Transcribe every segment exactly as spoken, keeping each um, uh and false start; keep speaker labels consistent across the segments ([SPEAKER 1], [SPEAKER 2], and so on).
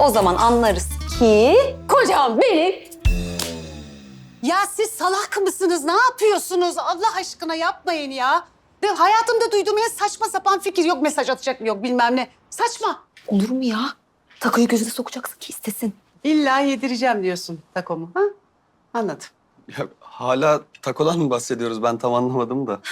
[SPEAKER 1] o zaman anlarız ki kocam benim.
[SPEAKER 2] Ya siz salak mısınız? Ne yapıyorsunuz? Allah aşkına yapmayın ya. Ve hayatımda duyduğum en saçma sapan fikir. Yok mesaj atacak mı yok bilmem ne. Saçma.
[SPEAKER 1] Olur mu ya? Takoyu gözüne sokacaksın ki istesin.
[SPEAKER 2] İlla yedireceğim diyorsun takomu. Ha? Anladım.
[SPEAKER 3] Ya, hala takodan mı bahsediyoruz? Ben tam anlamadım da.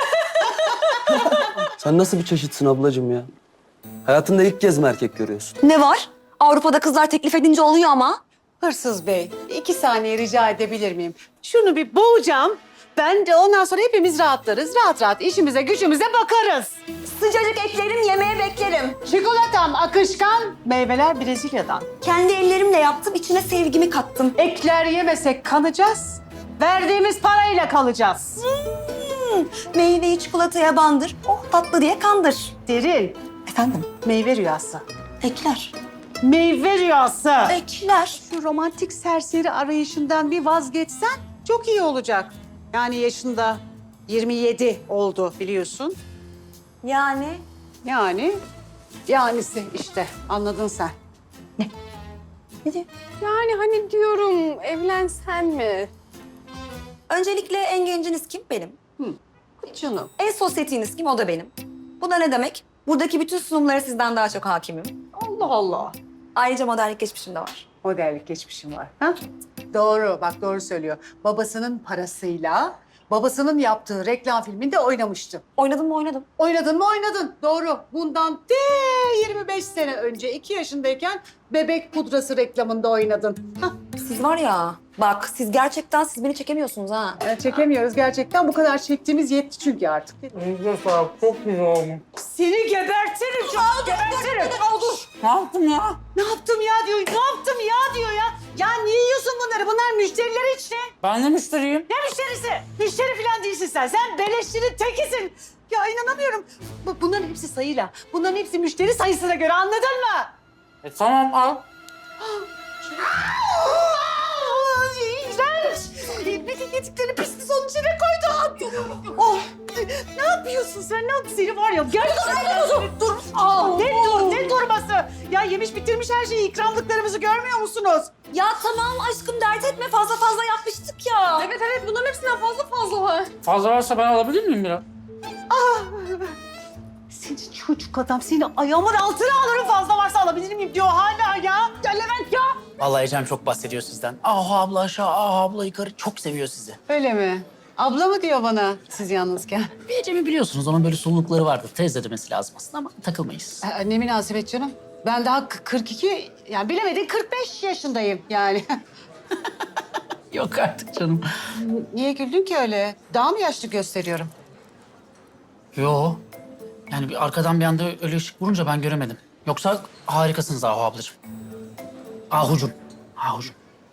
[SPEAKER 3] Sen nasıl bir çeşitsin ablacığım ya? Hayatında ilk kez mi erkek görüyorsun?
[SPEAKER 1] Ne var? Avrupa'da kızlar teklif edince oluyor ama.
[SPEAKER 2] Hırsız Bey, iki saniye rica edebilir miyim? Şunu bir boğacağım. Ben de ondan sonra hepimiz rahatlarız. Rahat rahat işimize gücümüze bakarız.
[SPEAKER 1] Sıcacık eklerim, yemeğe beklerim.
[SPEAKER 2] Çikolatam akışkan, meyveler Brezilya'dan.
[SPEAKER 1] Kendi ellerimle yaptım, içine sevgimi kattım.
[SPEAKER 2] Ekler yemesek kanacağız. Verdiğimiz parayla kalacağız.
[SPEAKER 1] Hmm, meyveyi çikolataya bandır, oh tatlı diye kandır.
[SPEAKER 2] Derin,
[SPEAKER 1] Efendim?
[SPEAKER 2] meyve rüyası.
[SPEAKER 1] Ekler.
[SPEAKER 2] Meyve rüyası.
[SPEAKER 1] Ekler.
[SPEAKER 2] Şu romantik serseri arayışından bir vazgeçsen çok iyi olacak. Yani yaşında yirmi yedi oldu biliyorsun.
[SPEAKER 1] Yani?
[SPEAKER 2] Yani, yanisi işte anladın sen.
[SPEAKER 1] Ne diyor?
[SPEAKER 4] Yani hani diyorum evlensen mi?
[SPEAKER 1] Öncelikle en genciniz kim? Benim.
[SPEAKER 2] Canım.
[SPEAKER 1] En sosyetiniz kim? O da benim. Bu da ne demek? Buradaki bütün sunumlara sizden daha çok hakimim.
[SPEAKER 2] Allah Allah.
[SPEAKER 1] Ayrıca modellik geçmişim de var.
[SPEAKER 2] Modellik geçmişim var. Ha? Doğru, bak doğru söylüyor. Babasının parasıyla babasının yaptığı reklam filminde oynamıştı.
[SPEAKER 1] Oynadım mı oynadım.
[SPEAKER 2] Oynadın mı oynadın. Doğru. Bundan de yirmi beş sene önce iki yaşındayken bebek pudrası reklamında oynadın. Hah.
[SPEAKER 1] Siz var ya, bak siz gerçekten siz beni çekemiyorsunuz ha.
[SPEAKER 2] Yani çekemiyoruz gerçekten. Bu kadar çektiğimiz yetti çünkü artık. Seni gebertirim çok gebertirim. Dur.
[SPEAKER 4] Ne yaptım ya?
[SPEAKER 2] Ne yaptım ya diyor. Ne yaptım ya diyor ya. Ya niye yiyorsun bunları? Bunlar müşteriler için.
[SPEAKER 4] Ben de müşteriyim.
[SPEAKER 2] Ne müşterisi? Müşteri falan değilsin sen. Sen beleşçinin tekisin. Ya inanamıyorum. Bu- Bunların hepsi sayıyla. Bunların hepsi müşteri sayısına göre anladın mı?
[SPEAKER 4] E tamam al.
[SPEAKER 2] İğrenç. Bütün yediklerini pisli sonun içine koydu. Oh. Ne yapıyorsun sen? Ne yapıyorsun? Seni var ya gerçekten... Dur, dur. Aa, ne dur, ne durması? Ya yemiş bitirmiş her şeyi, ikramlıklarımızı görmüyor musunuz?
[SPEAKER 1] Ya tamam aşkım dert etme fazla fazla yapmıştık ya.
[SPEAKER 4] Evet evet bunların hepsinden fazla fazla var. Fazla varsa ben alabilir miyim biraz?
[SPEAKER 2] Senin çocuk adam, seni ayağımın altına alırım fazla varsa alabilir miyim diyor hala ya. Ya Levent ya.
[SPEAKER 5] Vallahi Ecem çok bahsediyor sizden. Ah abla aşağı, ah abla yukarı. Çok seviyor sizi.
[SPEAKER 2] Öyle mi? Abla mı diyor bana siz yalnızken?
[SPEAKER 5] Bir Ecem'i biliyorsunuz. Onun böyle sululukları vardır. Teyze demesi lazım aslında ama takılmayız.
[SPEAKER 2] Ee, ne münasebet canım. Ben daha k- kırk iki, yani bilemedin kırk beş yaşındayım yani.
[SPEAKER 5] Yok artık canım.
[SPEAKER 2] Niye güldün ki öyle? Daha mı yaşlı gösteriyorum?
[SPEAKER 5] Yo. Yani bir arkadan bir anda öyle ışık vurunca ben göremedim. Yoksa harikasınız Ahu ablacığım. Ahucum. Ahucum.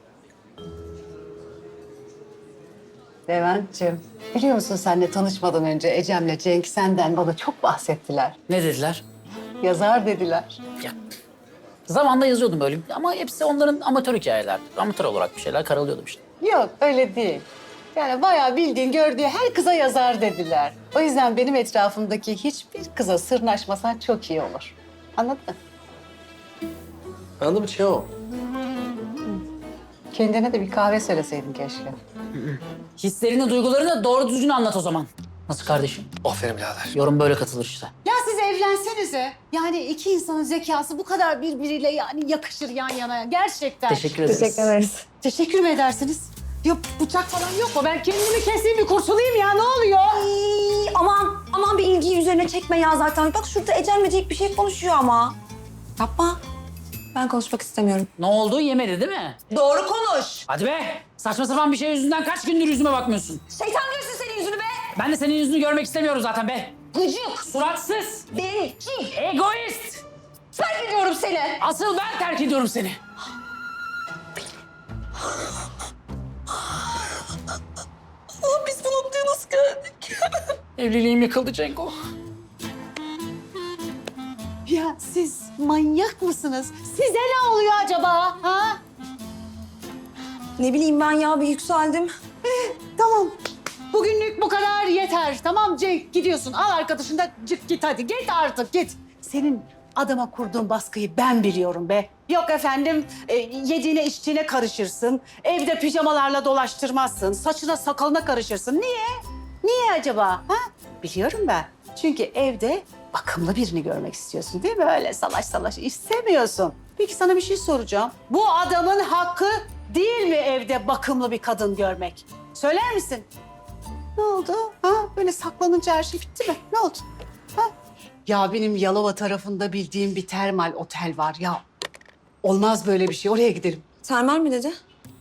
[SPEAKER 2] Levent'ciğim, biliyor musun seninle tanışmadan önce Ecem'le Cenk senden bana çok bahsettiler.
[SPEAKER 5] Ne dediler?
[SPEAKER 2] Yazar dediler.
[SPEAKER 5] Ya. Zamanında yazıyordum böyle ama hepsi onların amatör hikayeler. Amatör olarak bir şeyler karalıyordum işte.
[SPEAKER 2] Yok öyle değil. Yani bayağı bildiğin gördüğü her kıza yazar dediler. O yüzden benim etrafımdaki hiçbir kıza sırnaşmasan çok iyi olur. Anladın mı?
[SPEAKER 3] Anladım şey o.
[SPEAKER 2] Kendine de bir kahve söyleseydin keşke.
[SPEAKER 5] Hislerini, duygularını doğru düzgün anlat o zaman. Nasıl kardeşim?
[SPEAKER 3] Aferin birader.
[SPEAKER 5] Yorum böyle katılır işte.
[SPEAKER 2] Ya siz evlensenize. Yani iki insanın zekası bu kadar birbiriyle yani yakışır yan yana. Gerçekten.
[SPEAKER 5] Teşekkür ederiz.
[SPEAKER 1] ederiz.
[SPEAKER 2] Teşekkür mü edersiniz? Yok bıçak falan yok mu? Ben kendimi keseyim bir kurtulayım ya ne oluyor?
[SPEAKER 1] Ay, aman aman bir ilgiyi üzerine çekme ya zaten. Bak şurada Ecem Böcek bir şey konuşuyor ama. Yapma. Ben konuşmak istemiyorum.
[SPEAKER 5] Ne oldu? Yemedi değil mi?
[SPEAKER 1] Doğru konuş.
[SPEAKER 5] Hadi be! Saçma sapan bir şey yüzünden kaç gündür yüzüme bakmıyorsun?
[SPEAKER 1] Şeytan görsün senin yüzünü be.
[SPEAKER 5] Ben de senin yüzünü görmek istemiyorum zaten be.
[SPEAKER 1] Gıcık.
[SPEAKER 5] Suratsız,
[SPEAKER 1] Bencil.
[SPEAKER 5] egoist.
[SPEAKER 1] Terk ediyorum seni.
[SPEAKER 5] Asıl ben terk ediyorum seni.
[SPEAKER 1] Aa, biz bu noktaya nasıl geldik?
[SPEAKER 5] Evliliğim yıkıldı Cenko.
[SPEAKER 2] Ya siz manyak mısınız? Size ne oluyor acaba? Ha?
[SPEAKER 1] Ne bileyim ben ya bir yükseldim.
[SPEAKER 2] Tamam. Bugünlük bu kadar yeter. Tamam Cenk gidiyorsun. Al arkadaşını da çık git hadi. Git artık git. Senin adama kurduğun baskıyı ben biliyorum be. Yok efendim e, yediğine içtiğine karışırsın. Evde pijamalarla dolaştırmazsın. Saçına sakalına karışırsın. Niye? Niye acaba? Ha? Biliyorum ben. Çünkü evde bakımlı birini görmek istiyorsun değil mi? Öyle salaş salaş istemiyorsun. Peki sana bir şey soracağım. Bu adamın hakkı değil mi evde bakımlı bir kadın görmek? Söyler misin? Ne oldu? Ha? Böyle saklanınca her şey bitti mi? Ne oldu? Ha? Ya benim Yalova tarafında bildiğim bir termal otel var ya. Olmaz böyle bir şey. Oraya gidelim.
[SPEAKER 1] Termal mi dedi?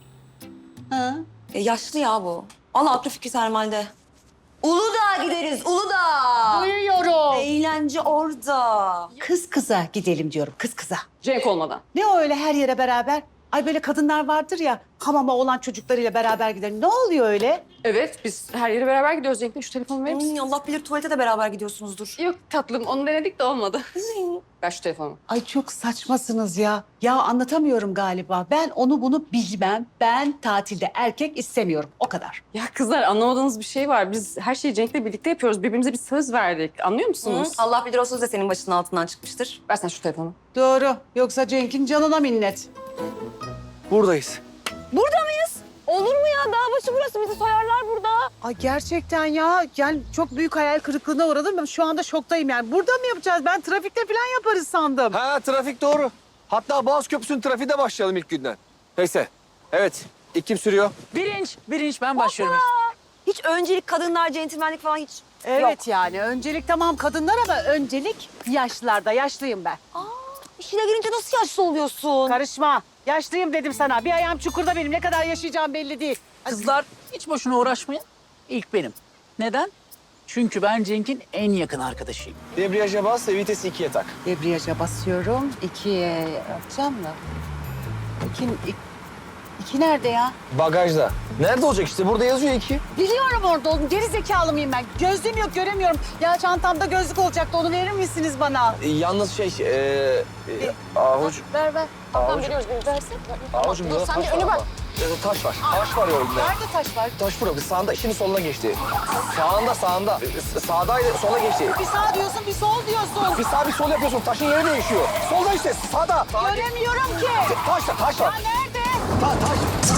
[SPEAKER 2] Ha?
[SPEAKER 1] E, yaşlı ya bu. Allah aklı fikri termalde. Uludağ'a gideriz, Uludağ.
[SPEAKER 2] Duyuyorum.
[SPEAKER 1] Eğlence orada.
[SPEAKER 2] Kız kıza gidelim diyorum. Kız kıza.
[SPEAKER 4] Cenk olmadan.
[SPEAKER 2] Ne o öyle her yere beraber? Ay böyle kadınlar vardır ya. Hamama olan çocuklarıyla beraber gidelim. Ne oluyor öyle?
[SPEAKER 6] Evet, biz her yere beraber gidiyoruz. Cenk'le şu telefonu verir misin?
[SPEAKER 1] Hmm, Allah bilir tuvalete de beraber gidiyorsunuzdur.
[SPEAKER 6] Yok tatlım, onu denedik de olmadı. Ver şu telefonu.
[SPEAKER 2] Ay çok saçmasınız ya. Ya anlatamıyorum galiba. Ben onu bunu bilmem. Ben tatilde erkek istemiyorum. O kadar.
[SPEAKER 6] Ya kızlar anlamadığınız bir şey var. Biz her şeyi Cenk'le birlikte yapıyoruz. Birbirimize bir söz verdik. Anlıyor musunuz?
[SPEAKER 1] Hı, Allah bilir o söz de senin başının altından çıkmıştır.
[SPEAKER 6] Ver sen şu telefonu.
[SPEAKER 2] Doğru. Yoksa Cenk'in canına minnet.
[SPEAKER 3] Buradayız.
[SPEAKER 1] Burada mıyız? Olur mu ya? Dağ başı burası. Bizi soyarlar burada.
[SPEAKER 2] Ay gerçekten ya. Yani çok büyük hayal kırıklığına uğradım. Ben şu anda şoktayım yani. Burada mı yapacağız? Ben trafikte falan yaparız sandım.
[SPEAKER 7] Ha trafik doğru. Hatta Boğaz Köprüsü'nün trafiği de başlayalım ilk günden. Neyse. Evet. İlk kim sürüyor?
[SPEAKER 5] Birinç, birinç ben başlıyorum.
[SPEAKER 1] Hiç öncelik kadınlar, centilmenlik falan hiç
[SPEAKER 2] Evet yani öncelik tamam kadınlar ama öncelik yaşlılarda. Yaşlıyım ben.
[SPEAKER 1] İşine girince nasıl yaşlı oluyorsun?
[SPEAKER 2] Karışma. Yaşlıyım dedim sana. Bir ayağım çukurda benim. Ne kadar yaşayacağım belli değil.
[SPEAKER 5] Kızlar hiç boşuna uğraşmayın. İlk benim. Neden? Çünkü ben Cenk'in en yakın arkadaşıyım.
[SPEAKER 7] Debriyaja bas ve vitesi ikiye tak.
[SPEAKER 2] Debriyaja basıyorum. İkiye yapacağım mı? İki, iki, iki nerede ya?
[SPEAKER 7] Bagajda. Nerede olacak işte? Burada yazıyor iki.
[SPEAKER 2] Biliyorum orada oğlum. Geri zekalı mıyım ben? Gözlüğüm yok göremiyorum. Ya çantamda gözlük olacaktı. Onu verir misiniz bana?
[SPEAKER 7] E, yalnız şey... E, e, ahuc...
[SPEAKER 2] Ver ver.
[SPEAKER 7] Ahuc...
[SPEAKER 6] Biliyoruz, biz dersek.
[SPEAKER 7] Ahucum burada taş var ama. E, taş var. Taş var yolda.
[SPEAKER 2] Nerede taş var?
[SPEAKER 7] Taş burada. Sağında, şimdi soluna geçti. Sağında, sağında. E, Sağdaydı, sola geçti.
[SPEAKER 2] Bir sağ diyorsun, bir sol diyorsun.
[SPEAKER 7] Bir sağ bir sol yapıyorsun. Taşın yeri değişiyor. Solda işte, sağda.
[SPEAKER 2] Göremiyorum ki.
[SPEAKER 7] Taş var, taş var.
[SPEAKER 2] Ya nerede?
[SPEAKER 7] Ta, taş.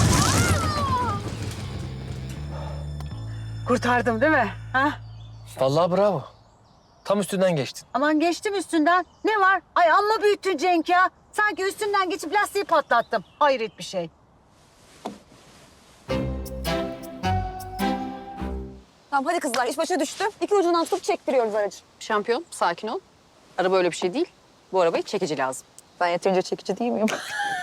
[SPEAKER 2] Kurtardım değil mi? Ha?
[SPEAKER 7] Vallahi bravo. Tam üstünden geçtin.
[SPEAKER 2] Aman geçtim üstünden. Ne var? Ay amma büyüttün Cenk ya. Sanki üstünden geçip lastiği patlattım. Hayret bir şey.
[SPEAKER 1] Tamam hadi kızlar iş başa düştü. İki ucundan tutup çektiriyoruz aracı.
[SPEAKER 6] Şampiyon, sakin ol. Araba öyle bir şey değil. Bu arabayı çekici lazım.
[SPEAKER 1] Ben yeterince çekici değil miyim?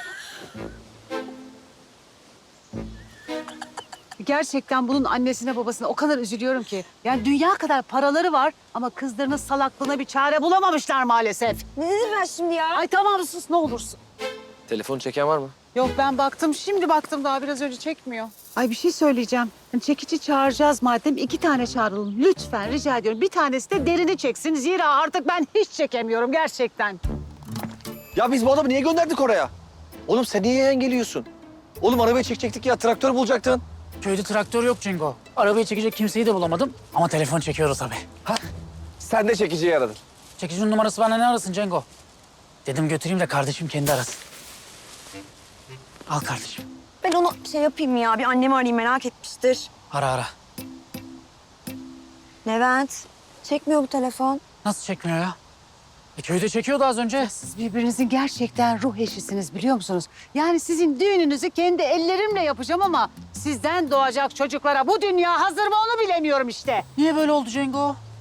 [SPEAKER 2] Gerçekten bunun annesine babasına o kadar üzülüyorum ki. Yani dünya kadar paraları var ama kızlarının salaklığına bir çare bulamamışlar maalesef.
[SPEAKER 1] Ne dedim ben şimdi ya?
[SPEAKER 2] Ay tamam sus ne olursun.
[SPEAKER 7] Telefon çeken var mı?
[SPEAKER 2] Yok ben baktım şimdi baktım daha biraz önce çekmiyor. Ay bir şey söyleyeceğim. Hani çekici çağıracağız madem iki tane çağıralım. Lütfen rica ediyorum. Bir tanesi de derini çeksin. Zira artık ben hiç çekemiyorum gerçekten.
[SPEAKER 7] Ya biz bu adamı niye gönderdik oraya? Oğlum sen niye engeliyorsun? Oğlum arabayı çekecektik ya, traktör bulacaktın.
[SPEAKER 5] Köyde traktör yok Cengo. Arabayı çekecek kimseyi de bulamadım. Ama telefon çekiyoruz tabii.
[SPEAKER 7] Ha? Sen de çekiciyi aradın.
[SPEAKER 5] Çekicinin numarası bana ne arasın Cengo? Dedim götüreyim de kardeşim kendi arasın. Al kardeşim.
[SPEAKER 1] Ben onu şey yapayım ya. Bir annemi arayayım merak etmiştir.
[SPEAKER 5] Ara ara.
[SPEAKER 1] Levent. Çekmiyor bu telefon.
[SPEAKER 5] Nasıl çekmiyor ya? E, köyde çekiyordu az önce.
[SPEAKER 2] Siz birbirinizin gerçekten ruh eşisiniz biliyor musunuz? Yani sizin düğününüzü kendi ellerimle yapacağım ama sizden doğacak çocuklara bu dünya hazır mı onu bilemiyorum işte.
[SPEAKER 5] Niye böyle oldu Cengo?